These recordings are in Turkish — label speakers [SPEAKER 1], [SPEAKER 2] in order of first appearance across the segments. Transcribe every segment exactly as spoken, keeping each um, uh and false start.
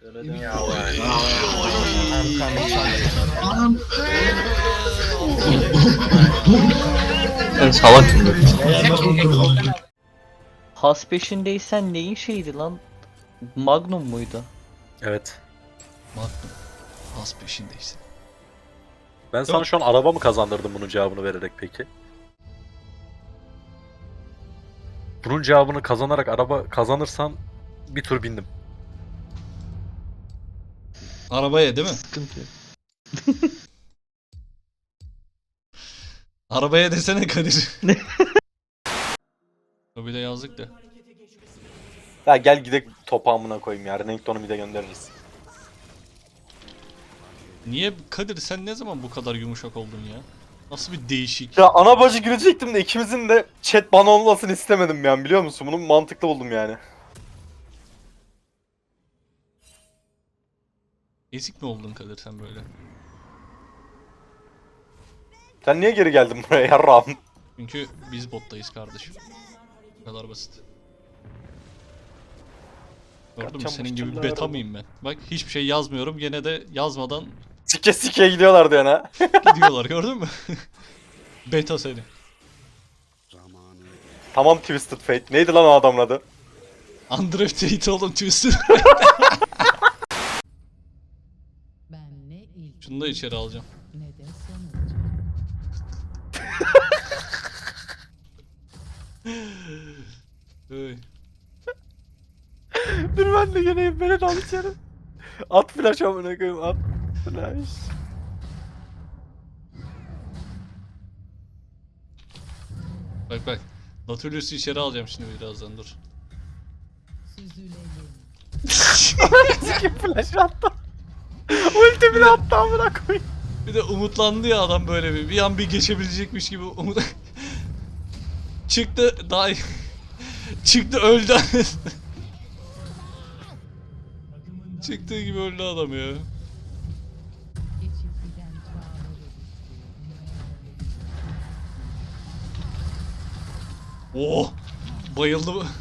[SPEAKER 1] Ben salaksın böyle.
[SPEAKER 2] Has peşindeysen neyin şeydi lan? Magnum muydu?
[SPEAKER 3] Evet.
[SPEAKER 4] Magnum. Has peşindeysin.
[SPEAKER 3] Ben sana şu an araba mı kazandırdım bunun cevabını vererek peki? Bunun cevabını kazanarak araba kazanırsan bir tur bindim.
[SPEAKER 4] Arabaya değil mi?
[SPEAKER 2] Sıkıntı yok.
[SPEAKER 4] Arabaya desene Kadir. Bir de yazdık da.
[SPEAKER 3] Ya gel gidelim topağımına koyayım ya. Renekton'u bir de göndeririz.
[SPEAKER 4] Niye Kadir sen ne zaman bu kadar yumuşak oldun ya? Nasıl bir değişik.
[SPEAKER 3] Ya ana bacı girecektim de ikimizin de chat bana olmasını istemedim yani biliyor musun? Bunu mantıklı buldum yani.
[SPEAKER 4] Ezik mi oldun Kadir sen böyle?
[SPEAKER 3] Sen niye geri geldin buraya yarrağım?
[SPEAKER 4] Çünkü biz bottayız kardeşim. Bu kadar basit. Gördün mü
[SPEAKER 3] Yapacağım
[SPEAKER 4] senin
[SPEAKER 3] bu
[SPEAKER 4] gibi
[SPEAKER 3] işlemler
[SPEAKER 4] beta
[SPEAKER 3] arada.
[SPEAKER 4] mıyım ben? Bak hiçbir şey yazmıyorum gene de yazmadan
[SPEAKER 3] Sike sike gidiyorlardı yani.
[SPEAKER 4] gidiyorlar gördün mü? Beta seni.
[SPEAKER 3] Tamam Twisted Fate. Neydi lan o adamın adı?
[SPEAKER 4] Undrafted oğlum Twisted.
[SPEAKER 5] Ben ne ilk
[SPEAKER 4] Şunu da içeri alacağım.
[SPEAKER 5] ne de sonuç.
[SPEAKER 4] Hey.
[SPEAKER 3] Dur ben de geleyim beni de al içeri. At flash amına koyayım at flash.
[SPEAKER 4] Bak bak. Nautilus'u içeri alacağım şimdi birazdan dur.
[SPEAKER 5] Süzülelim.
[SPEAKER 3] Sike flash attı. Ulti bile attı amına koyayım.
[SPEAKER 4] Bir de umutlandı ya adam böyle bir. Bir an bir geçebilecekmiş gibi umut. Çıktı daha çıktı öldü. Çıktığı gibi öldü adam ya.
[SPEAKER 5] Geçip giden çağları
[SPEAKER 4] Oh! Bayıldı bu.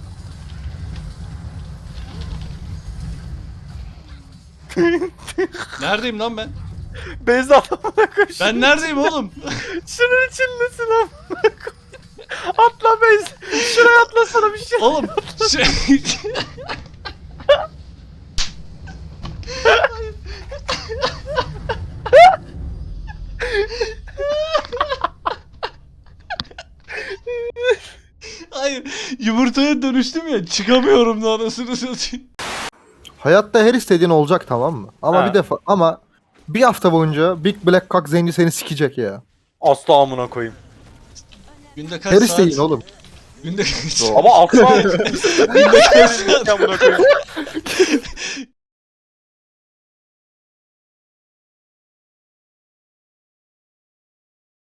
[SPEAKER 4] Neredeyim lan ben?
[SPEAKER 3] Beyza amına koyayım.
[SPEAKER 4] Ben neredeyim oğlum?
[SPEAKER 3] Şunun içindesin amına koyayım. Atla Beyza. Şuraya atlasana bir şey.
[SPEAKER 4] Oğlum şey... Hayır, yumurtaya dönüştüm ya, çıkamıyorum da anasını satayım.
[SPEAKER 6] Hayatta her istediğin olacak tamam mı? Ama
[SPEAKER 3] Ha.
[SPEAKER 6] bir defa ama bir hafta boyunca Big Black Cock Zenci seni sikecek ya.
[SPEAKER 3] Asla amına koyayım.
[SPEAKER 4] Günde kaç
[SPEAKER 6] Her
[SPEAKER 4] saat?
[SPEAKER 6] isteğin oğlum.
[SPEAKER 4] Günde kaç
[SPEAKER 3] Ama asla
[SPEAKER 4] Günde kaç saat?
[SPEAKER 3] amına koyayım.